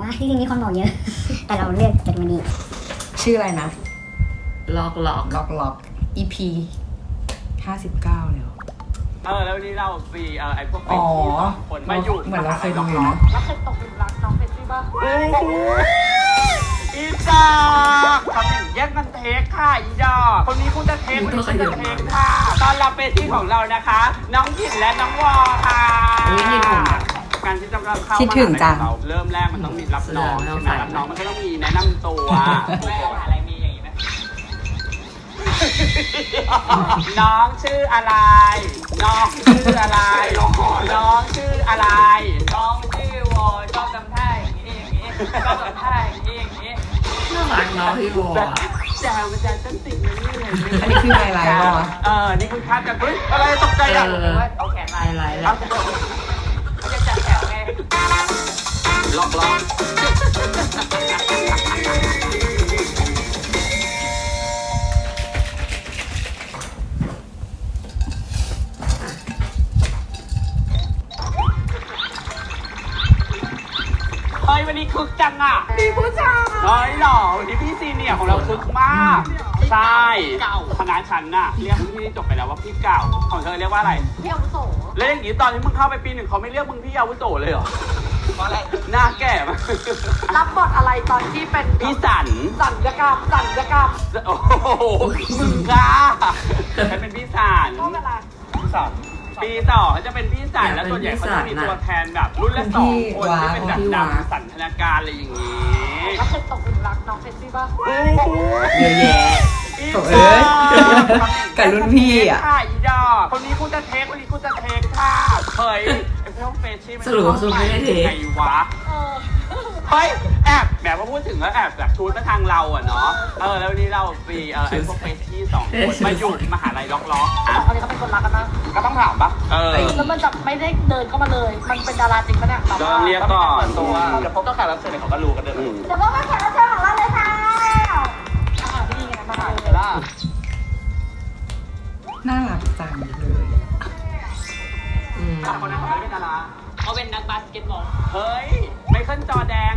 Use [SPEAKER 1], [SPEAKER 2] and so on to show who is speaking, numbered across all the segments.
[SPEAKER 1] ว่าจริงๆมีคนบอกเยอะ แต่เราเลือกเป็นวันนี้
[SPEAKER 2] ชื่ออะไรนะ
[SPEAKER 3] ล็อก
[SPEAKER 2] EP 59แล้ว
[SPEAKER 4] แล้วนี่เราฟรีไอ้พวกเป็นที่คนมาอยู่
[SPEAKER 2] เหมือนเราเคยดูอยู่นะ
[SPEAKER 5] แล้วเคยตกหลุมรักน้องเฟซซี่ป่ะ
[SPEAKER 4] อีดอกทำอย่างแย่งกันเทคค่ะอีดอกคนนี้คุณจะเทคคนนี้คุณจะเทคค่ะตอนรับเฟซซี่ของเรานะคะน้องหยินและน้องวอค่ะการที่จะเข้ามาเราเริ่มแรกมันต้องมีรับน้องใช่ไหมรับน้องมันก็ต้องมีแนะนำตัวอะไรมีอย่างนี้ไหมน้องชื่ออะไรน้องชื่ออะไรน้องชื่ออะไรน้องชื่อวอชอบทำท่าอย่างนี้ชอบทำท่าอย่างนี้
[SPEAKER 3] น่ารักน้องพี่วอ
[SPEAKER 4] แจวมันจะต้นติดมันนี่เลย
[SPEAKER 2] อันนี้คือไฮไลท์ป่ะ
[SPEAKER 4] นี่คุณคาดกันเฮ้ยอะไรตกใจอ่ะ
[SPEAKER 5] เอาแขนไ
[SPEAKER 3] ลท์แล้ว
[SPEAKER 5] เขาจะจัดแถวไง
[SPEAKER 4] ล็อกเฮ้ยวันนี้คึกจังอ่ะ
[SPEAKER 5] มีผู้ชาย
[SPEAKER 4] เฮ้ยหล่อวันนี้พี่ซีเนียร์ของเราคึกมากใช่คณะฉันน่ะเรียกพี่ที่จบไปแล้วว่าพี่เก่าของเธอเรียกว่าอะไร
[SPEAKER 5] พี่อาวุโส
[SPEAKER 4] แล้วอย่างนี้ตอนที่มึงเข้าไปปี 1เขาไม่เรียกมึงพี่อาวุโสเลยเหรอเพราะอะไรหน้าแก่มาก
[SPEAKER 5] รับบทอะไรตอนที่เป็น
[SPEAKER 4] พี่สัน
[SPEAKER 5] ยกรรม
[SPEAKER 4] โอ้โหมึงค่ะฉันเป็นพี่สัน
[SPEAKER 5] ช่วงเวลา
[SPEAKER 4] พี่สันปีต่อเขาจะเป็นพี่สันแล้วส่วนใหญ่เขาจะมีตัวแทนแบบรุ่นละ2คนที่เป็นแบบดำสันทนาการอะไรอย่างนี้
[SPEAKER 5] แล้วเคยตกหลุมรักน้องเฟซซี่ป่ะ
[SPEAKER 2] เยอะแยะกับรุ่นพี่อ่ะ
[SPEAKER 4] อีดอกคนนี้คุณจะเทคคนนี้คุณจะเทคค่ะเฮ้ยไอ้พวกเฟซชี่มัน
[SPEAKER 3] สรุปไม่ได้เทค
[SPEAKER 4] ไงวะเฮ้ยแอบแบบว่าพูดถึงแล้วแอบแบบชูดมาทางเราอ่ะเนาะแล้ววันนี้เราฟรีไอ้พวกเฟซชี่2คนมาอยู่มหาลัยล็อก
[SPEAKER 5] อันนี้เขาเป็นคนรักกันนะ
[SPEAKER 4] ก็ต้องถามปะ
[SPEAKER 5] แล้วมันจะไม่ได้เดินเข้ามาเลยมันเป็นดาราจริงปะเนี่ย
[SPEAKER 4] ต้องเรียกก่อนตัวเดี๋ยวพบต้องการรับเชิญเขาก็รู้กันเลย
[SPEAKER 5] เดี๋ยวพบต้องการรับเชิญของเราเลยค่ะนี่ไงมาเลยล่ะ
[SPEAKER 2] น่ารักจังเลย
[SPEAKER 4] คนนั้นเขาไม่เป็นดาราเขาเป็นนักบาสเกตบอลเฮ้ยไมเคิลจอแดง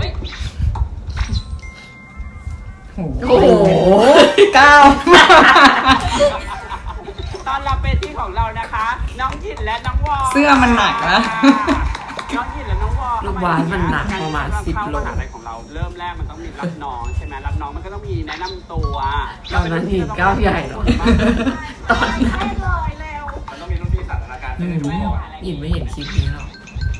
[SPEAKER 2] โอ้โหก้าว
[SPEAKER 4] ตอนรับเฟซที่ของเรานะคะน้องหยินและน้องวอ
[SPEAKER 2] เสื้อมันหนักนะ
[SPEAKER 4] น้องหยินและน้องวอ
[SPEAKER 3] ลูกบาสมันหนักประมาณ10 โล
[SPEAKER 4] อะไรของเราเริ่มแรกมันต้องมีรับน้องใช่ไหมรับน้องมันก็ต้องมีแนะนำตัว
[SPEAKER 3] ตอนนั้นหินก้าวใหญ่หรอตอนนั้น
[SPEAKER 4] มันต้องมีรุ่นพี่สันทนาการ
[SPEAKER 3] หินไม่เห็นคลิปนี้หรอก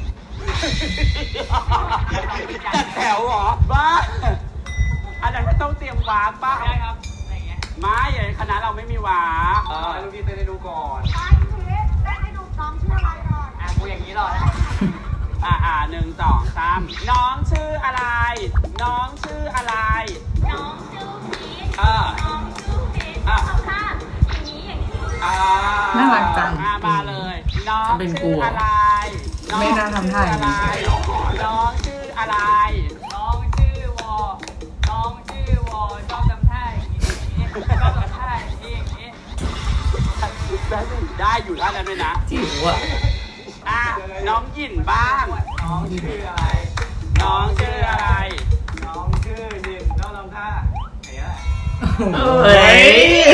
[SPEAKER 4] จัดแถวเหรอบ้าอันนั้นต้องเตรียมวาร์ปป่ะได้ครับไม่คณะเราไม่มีวาร์ปรุ่นพี่เต้นให้ดูก่อน
[SPEAKER 5] ได้ให้ดูน้องชื่ออะไรก่อน
[SPEAKER 4] กูอย่างนี้หรอ1 2 3น้องชื่ออะไรน้องชื่ออะไร
[SPEAKER 5] น้องชื่อพีทน้องชื่อพีทเอาค่ะอย่างนี้
[SPEAKER 2] น่ารักจัง
[SPEAKER 4] มาเลยน้องชื่ออะไร
[SPEAKER 2] ไม่น่าทำท่าอย่างนี้
[SPEAKER 4] น้องชื่ออะไรน้องชื่อวอน้องชื่อวอชอบทำท่าอย่างนี้ชอบทำท่าอย่างนี้ได้อยู่ท่านั้นด้วยนะ
[SPEAKER 3] จิ๋วอ่ะ
[SPEAKER 4] น้องหยินบ้างน้องชื่ออะไรน้องชื่ออะไรน้องชื่อหยินต้องทำท่า
[SPEAKER 3] เฮ้ย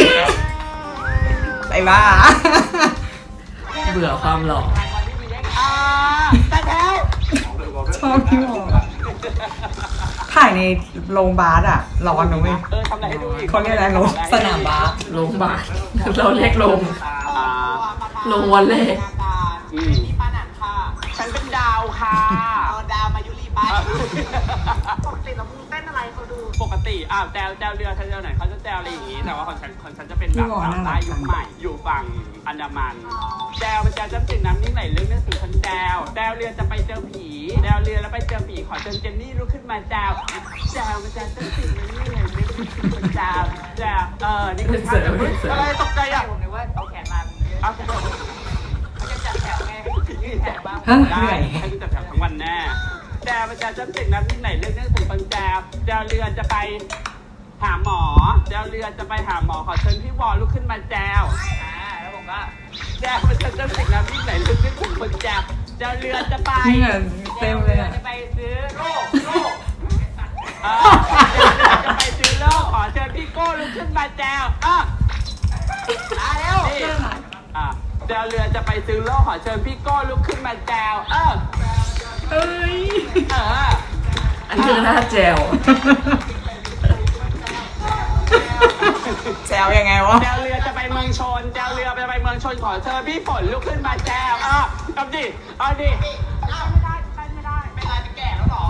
[SPEAKER 2] ไปบ้า
[SPEAKER 3] เบื่อความหล่อ
[SPEAKER 4] แต่แถว
[SPEAKER 2] ชอบพี่หมอถ่ายในโรงบาสอ่ะร้อนนะเว้ย
[SPEAKER 4] ทำอะไรให้ดูอีก
[SPEAKER 2] เขาเรียกอะไรโรงสนามบาส
[SPEAKER 3] โรงบาสเราเรียกโรงวันเล่
[SPEAKER 4] ฉันเป็นดาวค่ะดาวมายุรีบ้าน
[SPEAKER 5] ปกติเราเต้นอะไรเขาดู
[SPEAKER 4] ปกติแจวเรือแจวไหนเขาจะแจวอะไรอย่างนี้แต่ว่าของฉันจะเป็นแบบสาวใต้ยุคใหม่อยู่ฝั่งอันดามันแจวมันจะจำสิ่งน้ำนิ่งไหลลึกนึกถึงคนแจวเรือจะไปเจอผีแจวเรือแล้วไปเจอผีขอเจนนี่ลุกขึ้นมาแจวมันจะจำสิ่งน้ำนิ่งไหลลึกนึกถึงคนแจวนี่คือท่าอะไรตกใจอ่ะผมนึกว่าเอาแขนมาเอาแขนเขาจะจัดแถวไงแถวบ้างได้ให้จัดแถวทั้งวันแน่แจวมันจะจำสิ่งน้ำนิ่งไหลลึกนึกถึงคนแจวเรือจะไปหาหมอเรือจะไปหาหมอขอเชิญพี่วอลุกขึ้นมาแจวแล้วผมก็แจวมันจะจำสิ่งน้ำนิ่งไหลลึกนึกถึงคนแจวเรือจะไป
[SPEAKER 2] เต็มเลย
[SPEAKER 4] จะไปซื้อโลกจะไปซื้อเหล้าขอเชิญพี่โก้ลุกขึ้นมาแจวมาเร็วแจวเรือจะไปซื้อเหล้าขอเชิญพี่โก้ลุกขึ้นมาแจว
[SPEAKER 2] เอ้ย
[SPEAKER 3] อันนี้คือหน้าแจว
[SPEAKER 2] แจวยังไงวะ
[SPEAKER 4] แจวเรือจะไปเมืองชนแจวเรือจะไปเมืองชนขอเชิญพี่ฝนลุกขึ้นมาแจวเอาดิไม่ได้เป็นไรเป็นแก่แล้วหรอ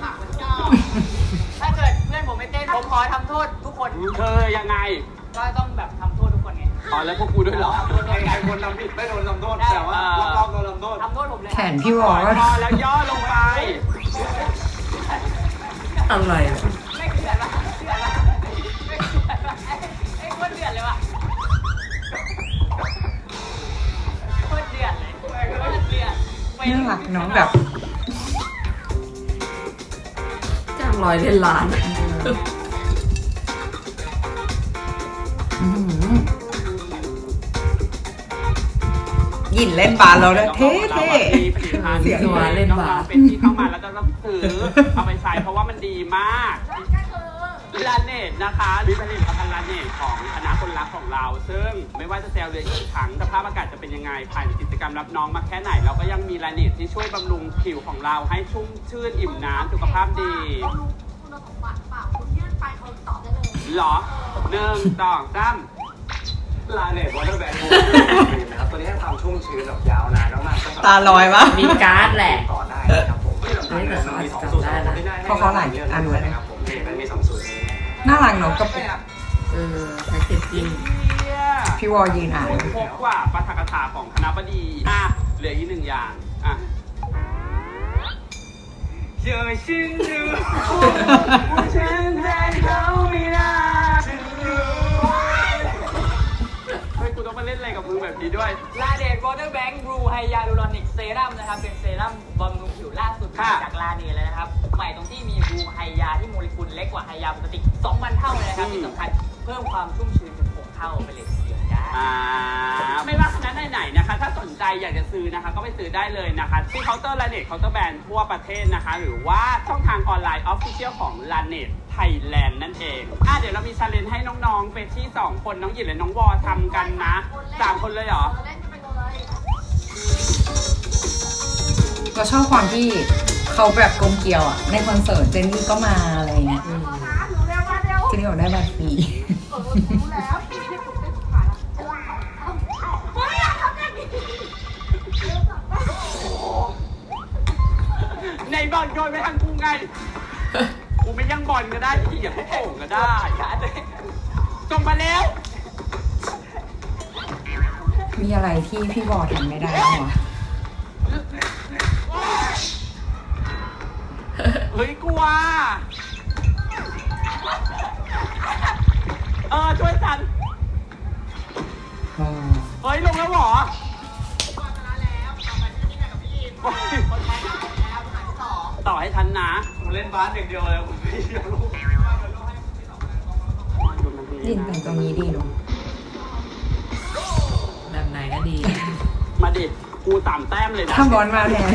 [SPEAKER 6] ถ้าเกิดเพื่อนผมไม่เต้นผมขอทำโทษทุกคน
[SPEAKER 4] ยังไง
[SPEAKER 6] ก็ต้องแบบทำโทษทุกคนไง
[SPEAKER 4] แล้วพวกกูด้วยเหรอ
[SPEAKER 6] ใครคนทำผิดไม่โดนทำโทษแต่ว่ารอบโดนทำโทษผมเลย
[SPEAKER 2] แขนพี่วอล
[SPEAKER 4] แล้วย่อลงไป
[SPEAKER 3] อะไร
[SPEAKER 6] ไม่เดือดปะไอ้คนเดือดเลยว่ะคนเดือดเลย
[SPEAKER 2] น่ารักน้องแบบ
[SPEAKER 3] จ้าง100 เล่นล้าน
[SPEAKER 2] ยินเล่นบาสแล้วด้วยเท่
[SPEAKER 4] เสียงตัวเล่นบาสเป็นที่เข้ามาแล้วจะต้องซื้อเอาไปใช้เพราะว่ามันดีมากลาเนตนะคะหรือผลิตภัณฑ์ลาเนตของคณะคนรักของเราซึ่งไม่ว่าจะแซวเรือกี่ครั้งสภาพอากาศจะเป็นยังไงผ่านกิจกรรมรับน้องมาแค่ไหนเราก็ยังมีลาเนตที่ช่วยบำรุงผิวของเราให้ชุ่มชื่นอิ่มน้ำสุขภาพดี
[SPEAKER 5] คุณสมบัติเปล่าคุณยื่นไปเขาตอบได้เลย
[SPEAKER 4] หรอ1 2 3
[SPEAKER 7] ลาเนตวอเตอร์แบงค์นะครับตัวนี้ให้ความชุ่มชื้นแบบยาวนานมาก
[SPEAKER 2] ๆตาลอยวะ
[SPEAKER 3] มีการ์ดแหละ
[SPEAKER 7] ต่อได้ครับผม
[SPEAKER 3] ไม่แต่สามารถจำได้นะ
[SPEAKER 2] เพราะเขาหลายอันเลย
[SPEAKER 7] นะครับผมมันมี2 สูตร
[SPEAKER 2] น่ารักเนาะกระปุก
[SPEAKER 3] แพ็กเกจจิ้ง
[SPEAKER 2] พี่วอลยืนอ่าน
[SPEAKER 4] พบว่าปาฐกถาของคณะบดีเหลืออีก1 อย่างเจอฉันดูฉันแทนเขาไม่ได้เฮ้ยกูต้องมาเล่นอะไรกับมือแบบนี้ด้วย
[SPEAKER 6] ลาเดตวอเตอร์แบงค์บลูไฮยาลูรอนิกเซรั่มนะครับเป็นเซรั่มบำรุงผิวล่าสุดจากลาเดตเลยนะครับใหม่ตรงที่มีบลูไฮยาที่โมเลกุลเล็กกว่าไฮยาปกติ2,000 เท่าเลยนะครับที่สำคัญเพิ่มความชุ่มชื้นถึง6 เท่าไปเลยทีเดียวจ้า
[SPEAKER 4] ไม่ว่าคณะไหนๆนะคะถ้าสนใจอยากจะซื้อนะคะก็ไปซื้อได้เลยนะคะที่เคาน์เตอร์ลาเน็ตเคาน์เตอร์แบรนด์ทั่วประเทศนะคะหรือว่าช่องทางออนไลน์ออฟฟิเชียลของลาเน็ตไทยแลนด์นั่นเองเดี๋ยวเรามีชาเลนจ์ให้น้องๆเฟชชี่2 คนน้องหยินและน้องวอทำกันนะ3 คนเลยเหรอ
[SPEAKER 2] เราชอบความที่เขาแบบกลมเกลียวในคอนเสิร์ตเจนนี่ก็มาอะไรเงี้ยเจนนี่บอกได้บัตรฟรี
[SPEAKER 4] ในบอลโยนไปทางกูไงกูไม่ยังบอลก็ได้ที่อย่างให้โป่งก็ได้ส่งมาแล้ว
[SPEAKER 2] มีอะไรที่พี่วอทำไม่ได้หรอ
[SPEAKER 4] เฮ้ยกลัวช่วยฉันเฮ้ยลงแล้วหรอต่อให้ทันนะ
[SPEAKER 7] ผมเล่นบาสอย่างเดียวเลยผมไม่เดียวลูก
[SPEAKER 2] ดินแต่งตรงนี้ดีเนาะ
[SPEAKER 3] แบบไหนก็ดี
[SPEAKER 4] มาดิกู3 แต้มเลยนะ
[SPEAKER 2] ถ้าบอลมาแทน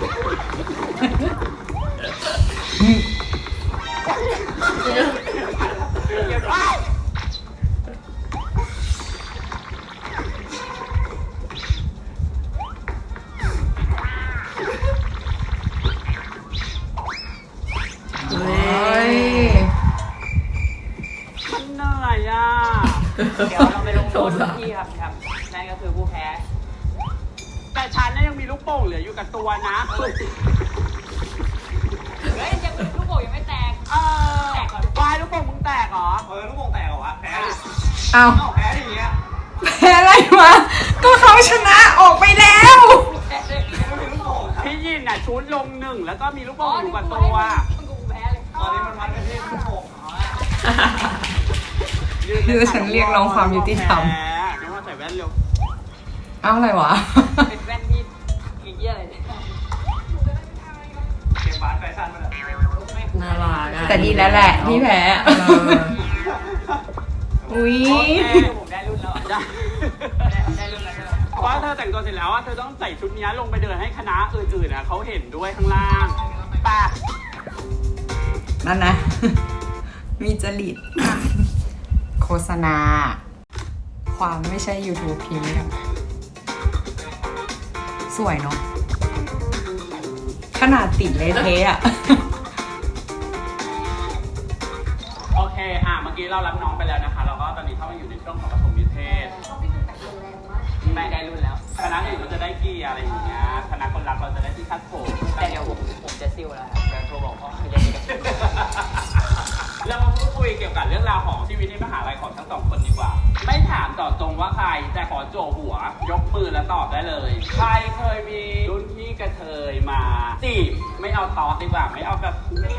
[SPEAKER 4] มันเหนื่อย
[SPEAKER 6] เดี๋ยวเราไปลงโทษที่ครับนั่นก็คือผู้แพ้
[SPEAKER 4] แต่ฉันยังมีลูกโป่งเหลืออยู่กับตัวนะ
[SPEAKER 6] เฮ้ยยังลูกโป่งยังไม่แตก
[SPEAKER 4] แตกก่อนวายลูกโป่งมึงแตกเหรอ
[SPEAKER 7] ลูกโป่งแตกเหรอวะแพ้
[SPEAKER 2] แพ้
[SPEAKER 7] อย่างเงี้ย
[SPEAKER 2] แพ้อะไรวะก็เขาชนะออกไปแล้ว
[SPEAKER 4] พี่ยินชุดลง1แล้วก็มีลูกโป่งอยู่กับตัว
[SPEAKER 7] ตอนนี้มันวัดกันที่ลูกโป่ง
[SPEAKER 2] คือฉันเรียกร้องความยุติธรรม
[SPEAKER 4] ไม่ว่าใส่แว่นเร็ว
[SPEAKER 2] อะไรวะ
[SPEAKER 6] เป็นแว่นที่อีกเยอะเลย
[SPEAKER 7] เกมบาสแฟชั่นมัน
[SPEAKER 3] น่ารัก
[SPEAKER 2] แต่ดีแล้วแหละพี่แพ้อุ้ย
[SPEAKER 6] ผมได้รุ่นแล้วได้รุ่นแล้ว
[SPEAKER 4] เพราะเธอแต่งตัวเสร็จแล้วเธอต้องใส่ชุดนี้ลงไปเดินให้คณะอื่นๆเขาเห็นด้วยข้างล่างป่ะ
[SPEAKER 2] นั่นนะ มีจริต โฆษณา ความไม่ใช่ YouTube พรีเมียมสวยเนาะขนาดติดเลยเทอะ
[SPEAKER 4] โอเคเมื่อกี้เรารับน้องไปแล้วนะคะเราก็ตอนนี้เข้ามาอยู่ในช่วงของปฐมนิเทศ
[SPEAKER 6] ไม่ได้รุ่นแล้ว
[SPEAKER 4] คณะอื่นเราจะได้เกียร์อะไรอย่างเงี้ยคณะคนรักเราจะได้ที่คัดผม
[SPEAKER 6] แต่เดี๋ยวผมจะซิ่วแล้วครับจะโทรบอกพ่อเรียนกัน
[SPEAKER 4] เรามาพูดคุยเกี่ยวกับเรื่องราวของชีวิตในมหาลัยของทั้งสองคนดีกว่า ไม่ถามต่อตรงว่าใครแต่ขอโจหัวยกมือแล้วตอบได้เลย ใครเคยมีรุ่นพี่กระเทยมาจีบไม่เอาตอดดีกว่าไม่เอาแบบ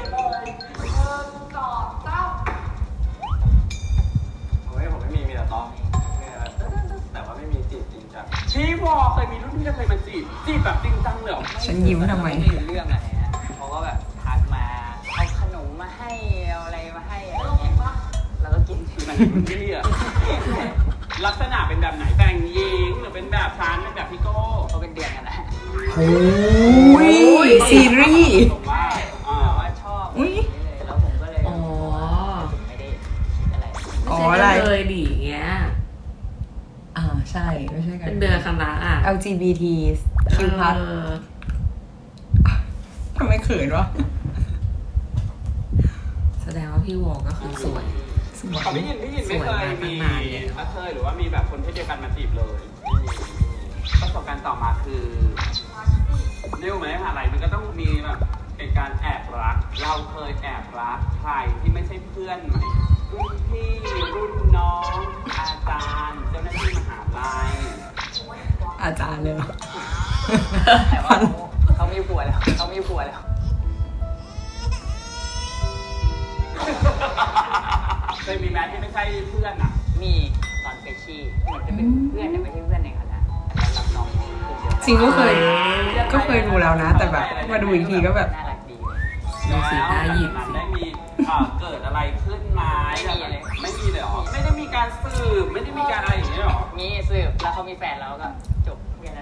[SPEAKER 7] ผมไม่มีแต่ต้องเนี่ยแต่ว่าไม่มีจีบจริงจัง
[SPEAKER 4] พี่วอเคยมีรุ่นพี่กระเทยมาจีบแบบจริงจังเลยเหรอ
[SPEAKER 2] ฉันยิ้มทำไม
[SPEAKER 6] ไม่รู้เรื่องอะไรฮะเขาก็แบบทักมาเอาขนมมาให้เอาอะไรมาให้อะไรเงี้ยแล้วก็กิน
[SPEAKER 4] มันรุ่นพี่อะลักษณะเป็นแบบไหนแต่งหญิงหรือเป็นแบบชานเป็นแบบพี่โก้
[SPEAKER 6] เขาเป็นเดือนกันนะ
[SPEAKER 2] โอ้ยซีรีส์
[SPEAKER 4] ผมว่า
[SPEAKER 6] แต่ว่าชอบ
[SPEAKER 2] อุ๊ย
[SPEAKER 6] เลยแล้วผมก็เลย
[SPEAKER 3] อ๋อ
[SPEAKER 6] ไม่ได้คิดอะไร
[SPEAKER 2] อ๋อ
[SPEAKER 3] ไม่
[SPEAKER 2] อะไร
[SPEAKER 3] ใช่เลยดิอย่างเงี้ย
[SPEAKER 2] ใช่ไม่ใช่กัน
[SPEAKER 3] เป็นเดือนคณะอ่ะ
[SPEAKER 2] LGBT Q+
[SPEAKER 3] เออ
[SPEAKER 2] ทำไมเขินวะ
[SPEAKER 3] แสดงว่าพี่วอก็คือสวย
[SPEAKER 2] สวย
[SPEAKER 4] เขาพี่ยินไม่เคยมีกระเทยหรือว่ามีแบบคนเพศเดียวกันมาจีบเลยประสบการณ์ต่อมาคือเรียกไหมอะไรมันก็ต้องมีแบบเป็นการแอบรักเราเคยแอบรักใครที่ไม่ใช่เพื่อนไหมรุ่นพี่รุ่นน้องอาจารย์เจ้าหน้าที่มหาลัย
[SPEAKER 2] อาจารย์เลยเหรอ
[SPEAKER 6] แต่ว่าเขาไม่ผัวแล้วเขาไม่ผัวแล้ว
[SPEAKER 4] เคยมีแม้ที่ไม่ใช่เพื่อนอ่ะ
[SPEAKER 6] มีตอนเฟชชี่เหมือนจะเป็นเพื่อนแต่ไม่ใช่เพื่อนในคณะแล้วรับน้องกลุ่มเดียวกัน
[SPEAKER 2] จริงก็เคยดูแล้วนะ แต่แบบมาดูอีกทีก็แบบ
[SPEAKER 6] น่ารักดี
[SPEAKER 3] ดูสีหน้าหยิบ
[SPEAKER 4] แล้วได้มีเกิดอะไรขึ้นไหมไม่มีเลยเหรอไม่ได้มีการสืบไม่ได้มีการอะไรอย่างเงี้ยหรอ
[SPEAKER 6] มีสืบแล้วเขามีแฟนแล้วก็จบแค่นั้น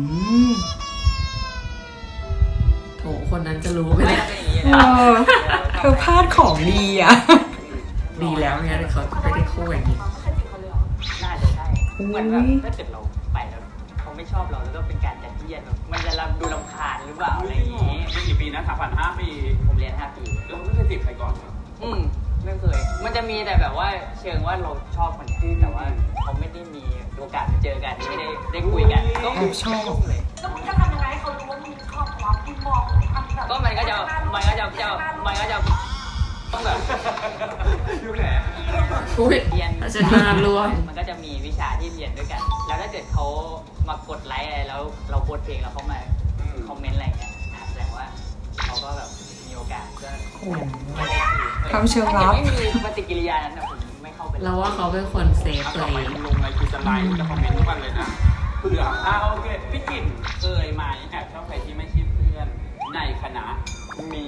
[SPEAKER 3] โถคนนั้นจะรู้ไหม
[SPEAKER 6] ไม่
[SPEAKER 3] เนี่ย
[SPEAKER 6] ได้เป็นอย่างนี้
[SPEAKER 2] เอ
[SPEAKER 6] นะ
[SPEAKER 2] อเธอพลาดของดีอ่ะ
[SPEAKER 3] ดีแล้วไงแต่เขาไม่ได้คู่อย่างนี้
[SPEAKER 6] น่าจะใช่เหมือนแบบถ้าเกิดเราไปแล้วเขาไม่ชอบเราแล้วก็เป็นการจัดเยียดแบบมันจะดูรำคาญหรือเปล่าอะไรอย่างงี้
[SPEAKER 4] เป็นกี่ปีนะ3,500 ปี
[SPEAKER 6] ผมเรียน5 ปี
[SPEAKER 4] เราไม่เคยจีบใครก่อนเลย
[SPEAKER 6] ไม่เคย มันจะมีแต่แบบว่าเชิงว่าเราชอบคนนี้แต่ว่าเขาไม่ได้มีโอกาสมาเจอกันไม่ได้คุยกันก็
[SPEAKER 2] แอบชอบ
[SPEAKER 6] เลย
[SPEAKER 5] แล้วมึงจะทำยังไงให้เขารู้ว่ามึงชอบเขามึงมองทำแบบ
[SPEAKER 6] ก็มันก็จะต้องแบบ
[SPEAKER 4] ยุคไหน
[SPEAKER 3] อุ้ย
[SPEAKER 6] เรียน
[SPEAKER 3] อาจารย์รวม
[SPEAKER 6] มันก็จะมีวิชาที่เรียนด้วยกัน แล้วถ้าเกิดเขามากดไลค์อะไรแล้วเราโพสต์เพลงแล้วเขามาคอมเมนต์อะไรเงี้ยแสดงว่าเขาก็แบบมีโอกาสก็
[SPEAKER 2] โอ้โหทำเชิงลับ
[SPEAKER 6] ไม่มีปฏิกิริยานั้นนะผมไม่เข้าไป
[SPEAKER 3] เราว่าเขาเป็นคนเซฟ
[SPEAKER 4] ต่
[SPEAKER 3] เล
[SPEAKER 4] อไป
[SPEAKER 3] ย
[SPEAKER 4] ลงอะไรคือจะไลค์จะคอมเมนต์ทุกวันเลยนะเผื่อโอเคพี่กิ่นเคยไหมแอบชอบใครที่ไม่ใช่เพื่อนในคณะ
[SPEAKER 7] มี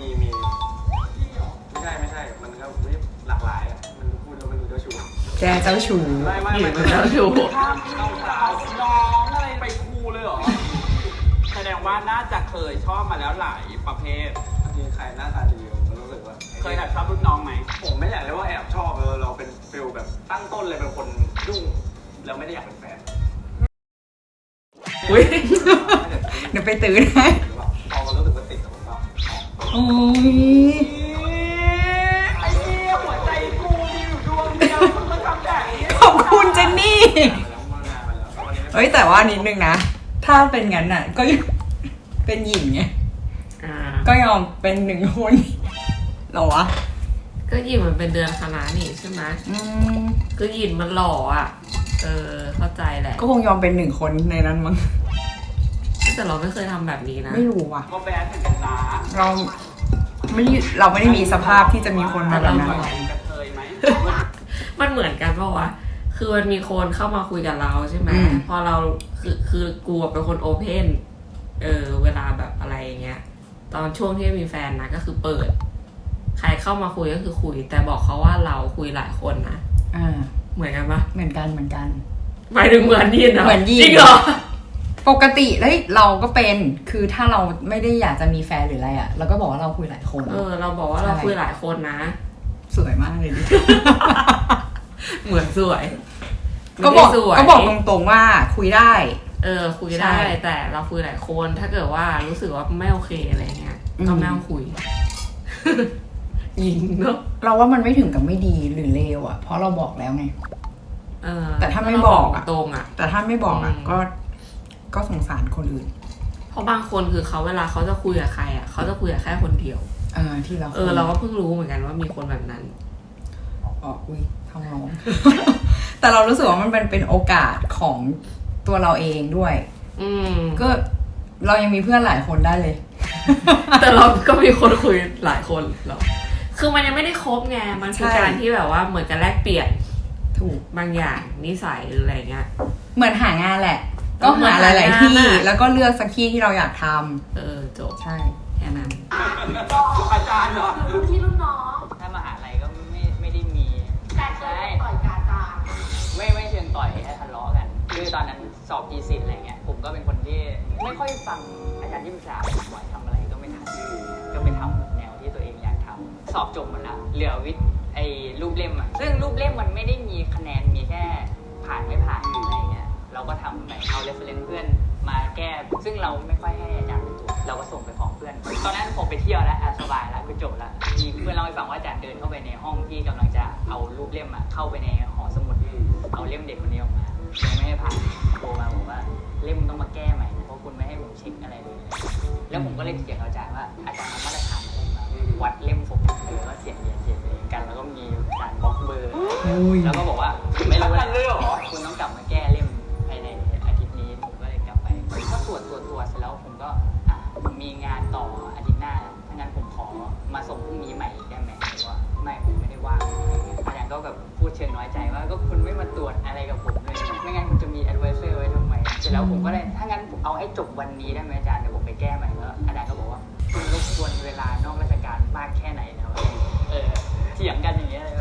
[SPEAKER 7] ไม่ใช่ มันก็หลากหลายอะมันพูดแล้วมันดูเจ้าชู้
[SPEAKER 2] แกเจ้าชู้
[SPEAKER 4] ไม่
[SPEAKER 3] หรือมันเจ้าชู้
[SPEAKER 4] ข้ามพี่น้องอะไรไปครูเลยเหรอแสดงว่าน่าจะเคยชอบมาแล้วหลายประเภท
[SPEAKER 7] บางทีใครหน้าตาดีผมรู้สึกว่า
[SPEAKER 4] เคยแอบชอบรุ่นน้องไหม
[SPEAKER 7] ผมไม่อยากเรียกว่าแอบชอบเราเป็นฟิลแบบตั้งต้นเลยเป็นคนยุ่งแล้วไม่ได้อยากเป็นแฟน
[SPEAKER 2] อุ้ย เดี๋ยวไปตื่นให้
[SPEAKER 7] หรือเปล่าพอมันรู้สึกว่าติดแล้วมันก็
[SPEAKER 2] โอ้ย
[SPEAKER 4] ไอ้เนี่ยหัวใจกูมีอยู่ดวงเดียวมึงมาทำแบบนี้
[SPEAKER 2] ขอบคุณเจนนี่
[SPEAKER 7] แล้วมานานมาแล้ววันนี้
[SPEAKER 2] เอ้ยแต่ว่านิดนึงนะ ถ้าเป็นงั้นอ่ะ ก็เป็นหญิงไง
[SPEAKER 3] อ่า
[SPEAKER 2] ก็ยอมเป็นหนึ่งคนเหรอวะ
[SPEAKER 3] ก็ยินมันเป็นเดือนคณะนี่ใช่ไหม ก็ยินมันหล่ออ่ะ เข้าใจแหละ
[SPEAKER 2] ก็คงยอมเป็นหนึ่งคนในนั้นมั้ง
[SPEAKER 3] แต่เราไม่เคยทำแบบนี้นะ
[SPEAKER 2] ไม่รู้ว่ะ
[SPEAKER 4] ก็แบดเหมือนกันนะ
[SPEAKER 2] เราไม่ได้มีสภาพที่จะมีคนมาแบบนั้น
[SPEAKER 4] กระเทยไหม
[SPEAKER 3] มันเหมือนกันปะวะ คือมันมีคนเข้ามาคุยกับเราใช่ไหม พอเราคือกูเป็นคนโอเพนเวลาแบบอะไรอย่างเงี้ย ตอนช่วงที่มีแฟนนะก็คือเปิด ใครเข้ามาคุยก็คือคุย แต่บอกเขาว่าเราคุยหลายคนนะ เหมือนกันปะ
[SPEAKER 2] เหมือนกัน
[SPEAKER 3] หมายถึงเหมือนยินเหรอ
[SPEAKER 2] เหมือนยิน
[SPEAKER 3] จริงเหรอ
[SPEAKER 2] ปปกติแล้วเราก็เป็นคือถ้าเราไม่ได้อยากจะมีแฟนหรืออะไรเราก็บอกว่าเราคุยหลายคน
[SPEAKER 3] เราบอกว่าเราคุยหลายคนนะ
[SPEAKER 2] สวยมากเลยดิ
[SPEAKER 3] เหมือนสวย
[SPEAKER 2] ก็บอกตรงๆว่าคุยได้
[SPEAKER 3] คุยได้แต่เราคุยหลายคนถ้าเกิดว่ารู้สึกว่าไม่โอเคอะไรเงี้ยก็ไม่ต้องคุย ยิงเนาะ
[SPEAKER 2] เราว่ามันไม่ถึงกับไม่ดีหรือเลวเพราะเราบอกแล้วไงแต่ถ้าไม่บอก
[SPEAKER 3] ตรง
[SPEAKER 2] แต่ถ้าไม่บอกก็สงสารคนอื่น
[SPEAKER 3] เพราะบางคนคือเขาเวลาเขาจะคุยกับใครเขาจะคุยกับแค่คนเดียว
[SPEAKER 2] ที่เรา
[SPEAKER 3] เราก็เพิ่งรู้เหมือนกันว่ามีคนแบบนั้น
[SPEAKER 2] อุ้ยทำร้อง แต่เรารู้สึกว่ามันเป็นโอกาสของตัวเราเองด้วยก็เรายังมีเพื่อนหลายคนได้เลย
[SPEAKER 3] แต่เราก็มีคนคุยหลายคนหรอคือมันยังไม่ได้คบไงมันคือการที่แบบว่าเหมือนกันแลกเปลี่ยน
[SPEAKER 2] ถูก
[SPEAKER 3] บางอย่างนิสัยหรืออะไรเงี้ย
[SPEAKER 2] เหมือนหางานแหละก็หาหลายๆที่แล้วก็เลือกสักที่ที่เราอยากทำ
[SPEAKER 3] จบ
[SPEAKER 2] ใช่
[SPEAKER 3] แค่นั้น
[SPEAKER 4] อาจารย์เหรอ
[SPEAKER 5] รุ่นพี่รุ่นน้อง
[SPEAKER 6] ถ้ามหาลัยก็ไม่ได้มี
[SPEAKER 5] การต่อยกาจา
[SPEAKER 6] ไม่เชิงต่อยแค่ทะเลาะกันคือตอนนั้นสอบทีสิทธ์อะไรเงี้ยผมก็เป็นคนที่ไม่ค่อยฟังอาจารย์ที่ปรึกษาบ่อยทำอะไรก็ไม่ทันก็ไปทำแนวที่ตัวเองอยากทำสอบจบหมดแล้วเหลือวิทย์รูปเล่มซึ่งรูปเล่มมันไม่ได้มีคะแนนมีแค่ผ่านไม่ผ่านอะไรเงี้ยเราก็ทำไปเอาเรฟเฟรนซ์เพื่อนมาแก้ซึ่งเราไม่ค่อยให้อาจารย์ตรวจเราก็ส่งไปฟ้องเพื่อนตอนนั้นผมไปเที่ยวแล้วสบายแล้วคือจบแล้วมีเพื่อนเล่าให้ฟังว่าอาจารย์เดินเข้าไปในห้องที่กำลังจะเอารูปเล่มเข้าไปในหอสมุดเอาเล่มเด็กคนนี้ออกมายังไม่ให้ผ่านโทรมาบอกว่าเล่มต้องมาแก้ใหม่เพราะคุณไม่ให้ผมเช็คอะไรเลยแล้วผมก็เลยเถียงอาจารย์ว่าอาจารย์เอามาตรฐานอะไรมาวัดเล่มผมแล้วก็เสียงเรียนกันแล้วก็มีการบล็อกเบอร์แล้วก็บอกว่าไม่รู้เลยคุณต้องกลับมาแก้เล่มภายในอาทิตย์นี้ผมก็เลยกลับไปก็ตรวจเสร็จแล้วผมก็ผมมีงานต่ออาทิตย์หน้าถ้างั้นผมขอมาส่งพรุ่งนี้ใหม่ได้ไหมหรือว่าไม่ผมไม่ได้ว่างอาจารย์ก็แบบพูดเชิงน้อยใจว่าก็คุณไม่มาตรวจอะไรกับผมเลยไม่งั้นคุณจะมีแอดไวเซอร์ไว้ทำไมเสร็จแล้วผมก็เลยถ้างั้นเอาให้จบวันนี้ได้ไหมอาจารย์เดี๋ยวผมไปแก้ใหม่แล้วอาจารย์ก็บอกว่าคุณรบกวนเวลานอกราชการมากแค่ไหนนะเถียงกันอย่างเงี้ยเลย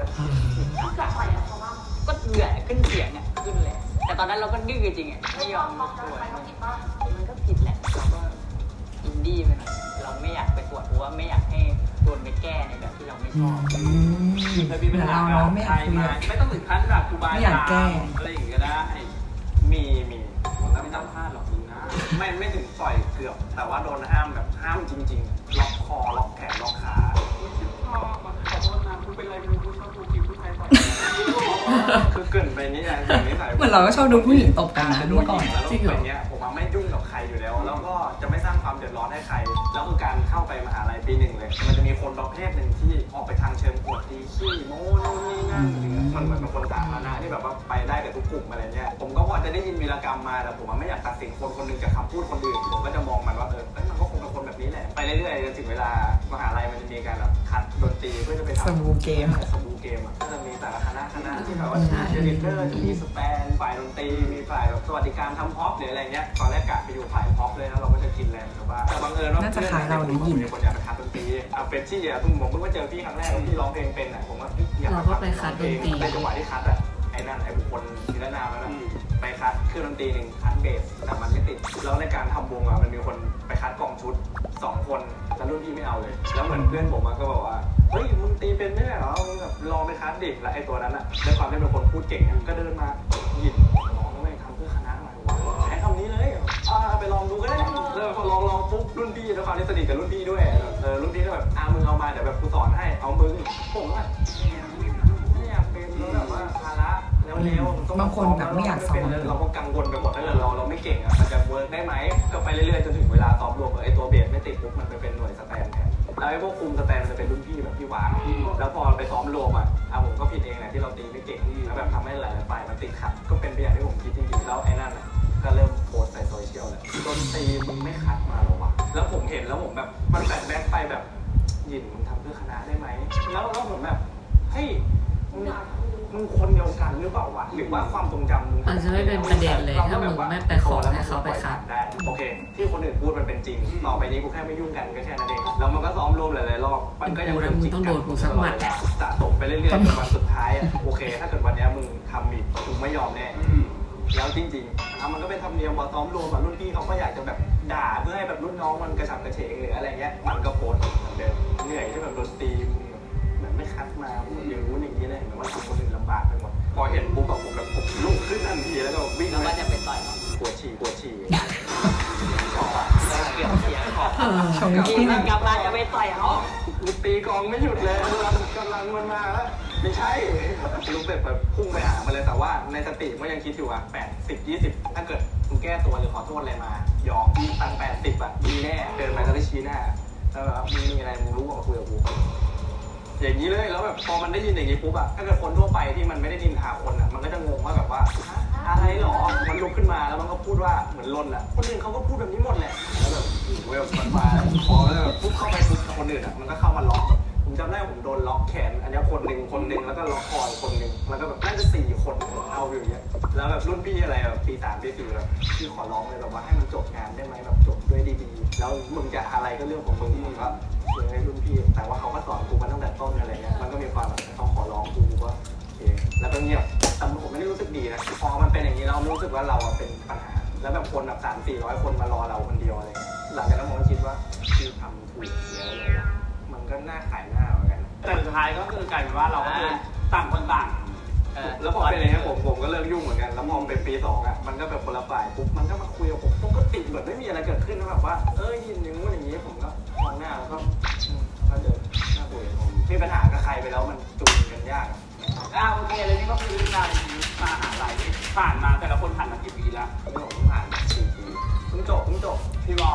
[SPEAKER 6] ก็เดือดขึ้นเสียงขึ้นเลยแต่ตอนนั้นเราก็ดื้อจริงไม่ยอมตรวจมันก็ผิดแหละเราก็อินดี้ไปหน่อยเราไม่อยากไปตรวจเพราะว่าไม่อยากให้โดนไปแก้ในแบบที่เราไม่ชอบ
[SPEAKER 4] แต่มีปัญหาไม่ต้องถึงขั้นแบบครูบาอาจารย์อะไรอย่างเงี้ยได้มีแล้วไม่ต้องพลาดหรอกจริงนะไม่ถึงต่อยเกือบแต่ว่าโดนห้ามแบบห้ามจริงๆล็อกคอล็อกแขนล็อกขาขอโทษนะคุณเป็นอะไรไม่รู้ชอบดูคลิปผู้ชายต่อยคือเกินไปนี่อย่างนี้ใส่
[SPEAKER 2] เหมือนเราก็ชอบดูผู้หญิงตบกันนะ
[SPEAKER 4] ด้วยก่อนจริงเหรอเนี่ยผมไม่ยุ่งกับใครอยู่แล้วแล้วก็จะไม่สร้างความเดือดร้อนให้ใครแล้วคือการเข้าไปมหาลัยปี 1เลยมันจะมีคนประเภทหนึ่งที่ออกไปทางเชิงอวดดีขี้โม้นู่นนี่นั่นมันเหมือนเป็นคนสาธารณะที่แบบว่าไปได้กับทุกกลุ่มอะไรเนี่ยผมก็พอจะได้ยินวีรกรรมมาแต่ผมไม่อยากตัดสินคนนึงจากคำพูดคนอื่นผมก็จะมองมันว่ามันก็คงเป็นคนแบบนี้แหละไปเรื่อยๆจนถึงเวลามหาลัยมันจะมีการแบบคัดดนตรีเพื่อจะไปทำ
[SPEAKER 2] สมูเกม
[SPEAKER 4] ก็จะมีแต่ละคณะที่แบบว่าจะมีเชียร์ลีดเดอร์จะมีสแปนฝ่ายดนตรีมีฝ่ายแบบสวัสดิการทำพ็อปหรืออะไรเงี้ยตอนแรกกะไปอยู่ฝ่ายพ็อปเลยแล้วเราก็จะกินแรงแต่ว่าบังเอิญว่า
[SPEAKER 2] น่าจะขายเราหรือยิน
[SPEAKER 4] คนอยากไปคัดดนตรีเป็นที่ผมเพิ่งมาเจอพี่ครั้งแรกพี่ร้องเพลงเป็นผมว่าอยาก
[SPEAKER 3] ไปคัดดนตรี
[SPEAKER 4] ในจังหวะที่คัดไอ้นั่นไอ้บุคคลนิรนามแล้วนะไปคัดเครื่องดนตรีหนึ่งคัดเบสแต่มันไม่ติดแล้วในการทำวงมันมีคนไปคัดกล่องชุด2 คนแล้วรุ่นพี่ไม่เอาเลยแล้วเหมือนเพื่อนผมก็บอกว่าเฮ้ยมึงตีเป็นไม่ได้เหรอมึงแบบลองไปคัดดิแล้วไอ้ตัวนั้นด้วยความที่เป็นคนพูดเก่งก็เดินมาหยิบน้องไม่ทำเพื่อคณะมาใช้คำนี้เลยไปลองดูก็ได้แล้วพอลองปุ๊บรุ่นพี่ด้วยความที่สนิทกับรุ่นพี่ด้วยรุ่นพี่ก็แบบมึงเอามาเดี๋ยวแบบกูสอนให้เอามึงผมไม่อยากเป็นแล้วแบบว่าภาระเร็ว
[SPEAKER 2] บางคนแบบไม่อยากสอน
[SPEAKER 4] เราก็กังวลไปหมดถ้าเกิดเราไม่เก่งมันจะเวิร์กได้ไหมก็ไปเรื่อยๆจนถึงเวลาซ้อมรวมไอ้ตัวเบสไม่ติดปุ๊บมันไปเป็นหน่วยสแตนแทนแล้วไอ้พวกคุมสแตนมันจะเป็นรุ่นพี่แบบพี่วางแล้วพอไปซ้อมรวมผมก็ผิดเองแหละที่เราตีไม่เก่งแล้วแบบทำให้หลายฝ่ายมันติดขัดก็เป็นไปอย่างที่ผมคิดจริงๆแล้วไอ้นั่นก็เริ่มโพสใส่โซเชียลเลยดนตรีมึงไม่คัดมาหรอวะแล้วผมเห็นแล้วผมแบบมันแบกไปแบบยินมึงทำเพื่อคณะได้ไหมแล้วผมแบบเฮ้ยมึงคนเดียวกันหรือเปล่าวะหรือว่าความทรงจำมึง
[SPEAKER 3] มันจะไม่เป็นประเด็นเลยถ้ามึงไม่ไปขอให้เขาไปคัด
[SPEAKER 4] ได้โอเคที่คนอื่นพูดมันเป็นจริงต่อไปนี้กูแค่ไม่ยุ่งกันก็แค่นั้นเองแล้วมันก็ซ้อมรวมหลายๆรอบมันก็ยังเป็นจริง
[SPEAKER 3] ต้องโดนกูสักหมัด
[SPEAKER 4] สะสมไปเรื่อยๆจนวันสุดท้ายโอเคถ้าเกิดวันนี้มึงทำผิดมึงไม่ยอมแน่
[SPEAKER 7] แล้วจริงๆมันก็เป็นธรรมเนียมพอซ้อมรวมรุ่นพี่เขาก็อยากจะแบบด่าเพื่อให้แบบรุ่นน้องมันกระฉับกระเฉงหรืออะไรเงี้ยมันก็โพสต์เหมือนเดิมเหนื่อยที่แบบโดนตีเหมือนไม่คัดมาอย่างนู้นอย่างนี้เลยเหมือนว่าทำคนอื่นลำบากไปหมดพอเห็นปุ๊บแบบผมลุกขึ้นทันทีแล้วก็วิ่ง
[SPEAKER 6] แล้วก็จะไปต่อยเขา
[SPEAKER 7] ปวดฉี่
[SPEAKER 6] เกี่ยวเสียงของ
[SPEAKER 2] ชง
[SPEAKER 6] ที
[SPEAKER 2] ที่
[SPEAKER 6] มันกลับมาจะไปต่อยเขา
[SPEAKER 7] ลุกตีกองไม่หยุดเลยกำลังมันมาแล้วไม่ใช่ลุกแบบพุ่งไปหามันเลยแต่ว่าในสติก็ยังคิดอยู่ว่า80-20ถ้าเกิดมึงแก้ตัวหรือขอโทษอะไรมายอมมีตัง80อ่ะมีแน่เดินไปก็ได้ชี้หน้าแล้วแบบมึงมีอะไรมึงรู้ว่าคุยกับกูอย่างนี้เลยแล้วแบบพอมันได้ยินอย่างนี้ปุ๊บอะถ้าเกิดคนทั่วไปที่มันไม่ได้นินทาคนอะมันก็จะงงว่าแบบว่าอะไรหรอมันลุกขึ้นมาแล้วมันก็พูดว่าเหมือนลนอะคนอื่นเขาก็พูดแบบนี้หมดแหละแล้วแบบเวลมันมาพอแล้วปุ๊บเข้าไปปุ๊บคนอื่นอะมันก็เข้ามาล็อกผมจำได้ผมโดนล็อกแขนอันนี้คนหนึ่งแล้วก็ล็อกคอคนหนึ่งแล้วก็แบบน่าจะ4 คนเอาอยู่อย่างเงี้ยแล้วแบบรุ่นพี่อะไรแบบปี 3 ปี 4แบบพี่ขอร้องเลยแบบว่าให้มันจบงานได้ไหมแบบจบด้วยดีๆแล้วมึงจะอะไรก็เรื่องของมึงก็ให้รุ่นพี่แต่ว่าเขาก็สอนกูมาตั้งแต่ต้นอะไรเงี้ยมันก็มีความแบบเขาขอร้องกูก็โอเคแล้วก็เงียบแต่ผมไม่ได้รู้สึกดีนะพอมันเป็นอย่างนี้เรารู้สึกว่าเราเป็นปัญหาแล้วแบบคนแบบ300-400 คนมารอเราคนเดียวอะไรหลังจากนั้นผมก็คิดว่าคือทำถูกแล้วมันก็น่าขายหน้าเหมือนกัน
[SPEAKER 4] แต่สุดท้ายก็คือกลายเป็นว่าเราก็คือต่างคนต่าง
[SPEAKER 7] แล้วพอเป็นอย่างนี้ผมก็เลิกยุ่งเหมือนกันแล้วพอเป็นปี 2อ่ะมันก็แบบคนละฝ่ายปุ๊บมันก็มาคุยกับผมปกติเหมือนไม่มีอะไรเกิดขึ้นนะแบบว่ายินอย่างงู้นอย่างนี้ผมก็มองหน้าแล้วก็เดินหน้าคุยกับผมมีปัญหากับใครไปแล้วมันจูนกันยาก
[SPEAKER 4] โอเคเลยนี่ก็คือเรื่องราวในชีวิตมหาลัยที่ผ่านมาแต่ละคนผ่านมากี่ปีแล้ว
[SPEAKER 7] เรื่องของผ่าน4 ปีเพิ่งจบ
[SPEAKER 4] พี่วอ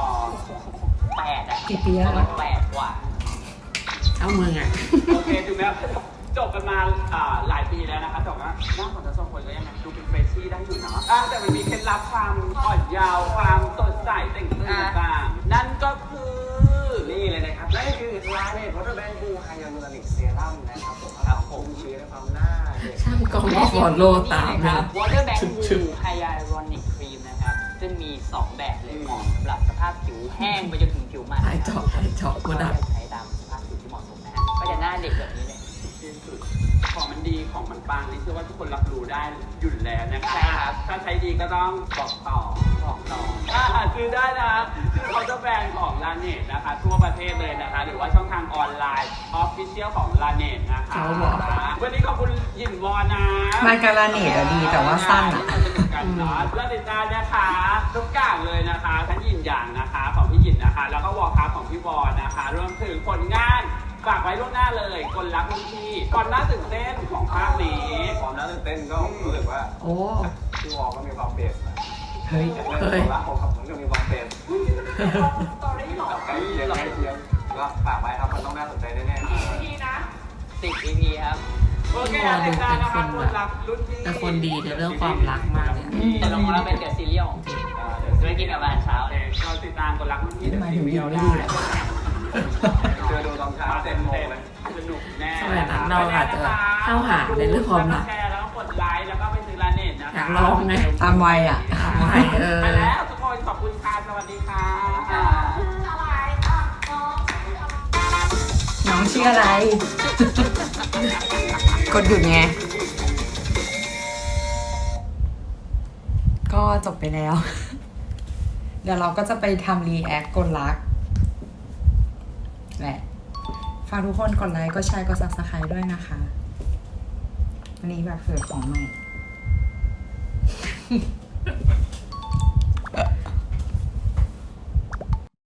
[SPEAKER 6] 8อะ
[SPEAKER 2] กี่ปีแล้ว
[SPEAKER 6] ประมาณ8 กว่า
[SPEAKER 3] เอามึงอ่ะ
[SPEAKER 4] โอเคถึงแม้จบกันมาหลายปีแล้วนะคะแต่ว่าหน้าของทั้งสองคนก็ยังดูเป็นเฟรชชี่ได้อยู่เนาะแต่มันมีเคล็ดลับความอ่อนเยาว์ความสดใสแต่งตัวต่างๆนั่นก็คือ
[SPEAKER 7] นี่เลยนะครับนั่นคือลาเนตวอเตอร์แบงค์บูไฮยาลูรอนิกเซรั่มนะครับผมชี้ในความหน้าเด็ก
[SPEAKER 3] ช่างกล้องก็ฟอลโล่ตาม
[SPEAKER 6] ค
[SPEAKER 3] นะ
[SPEAKER 6] รับ Water Bank Blue Hyaluronic Cream นะครับซึ่งมี 2 แบบเลยเหมาะสำหรับสภาพผิวแห้งไปจนถึงผิวมัน
[SPEAKER 3] หายเจาะกูดับ
[SPEAKER 6] ใช้ตามสภาพผิวที่เหมาะสมนะฮะก็จะหน้าเด็กแบบนี้เลย
[SPEAKER 4] ที่สุดของมันดีของมันปังนี่เชื่อว่าทุกคนรับรู้ได้อยู่แล้วนะคะ
[SPEAKER 6] ใช่ครับ
[SPEAKER 4] ถ้าใช้ดีก็ต้องบอกต่อซื้อได้นะคือเขาจะแบรนด์ของลาเนตนะคะทั่วประเทศเลยนะคะหรือว่าช่องทางออนไลน์ออฟฟิเชียลของลาเนตนะคะ
[SPEAKER 3] เขาบอก
[SPEAKER 4] วันนี้ขอบคุณหยินวอนะ
[SPEAKER 2] มาการาเนตอะดีแต่ว่าสั้นอะ
[SPEAKER 4] กันเนาะแล้วติดตามนะคะทุกอย่างเลยนะคะทั้งหยินอย่างนะคะของพี่หยินนะคะแล้วก็วอลคัพของพี่วอนะคะรวมถึงผลงานฝากไว้ล่วงหน้าเลยคนรักรุ่นพี่ความน่าตื่นเต้นของภาคนี้
[SPEAKER 7] ความน่าตื่นเต้นก็รู้สึกว่า
[SPEAKER 3] โอ้
[SPEAKER 7] พี่วอลก็มีความเบสนะ
[SPEAKER 2] เฮ้ย
[SPEAKER 7] เรื่องของรักของมันก็มีความเบสใกล้เคียงก็ฝากไว้ครับมันต้องน่าสนใจแน่ๆ
[SPEAKER 6] 10 EP ครับ
[SPEAKER 4] โอเคติดตามนะคะคนรักรุ่นพี่
[SPEAKER 3] แต่คนดีในเรื่องความรักมากเลยอะ
[SPEAKER 6] แต่ลงมาแล้วเป็นเดอะซีเรียลจะไปกินกับอาหารเช้าเลย
[SPEAKER 4] เราติดตามคนรักรุ่นพี่
[SPEAKER 2] ทำไมถึงอยู่ไม่ดีล่ะ
[SPEAKER 7] เจอดูตอนเช้า7 โมงเลย
[SPEAKER 4] สนุกแน่
[SPEAKER 3] สมัยนั้นเราอาจจะเข้าหาในเรื่องความรัก
[SPEAKER 4] แชร์แล้วกดไลค์แล้วก็ไปซื้อลาเน็ตนะ
[SPEAKER 3] อยา
[SPEAKER 4] คะ
[SPEAKER 3] กลองไง
[SPEAKER 2] ตามวัยอ่ะ
[SPEAKER 3] ไป
[SPEAKER 4] ไปแล้วทุกคนขอบคุณค่ะสวัสดีค่ะ
[SPEAKER 2] น้องชื่ออะไร กดหยุดไง ก็จบไปแล้ว เดี๋ยวเราก็จะไปทำรีแอคกดลักแหละฝากทุกคนกดไลค์กดแชร์กด Subscribe ด้วยนะคะ วันนี้แบบเผื่อของใหม่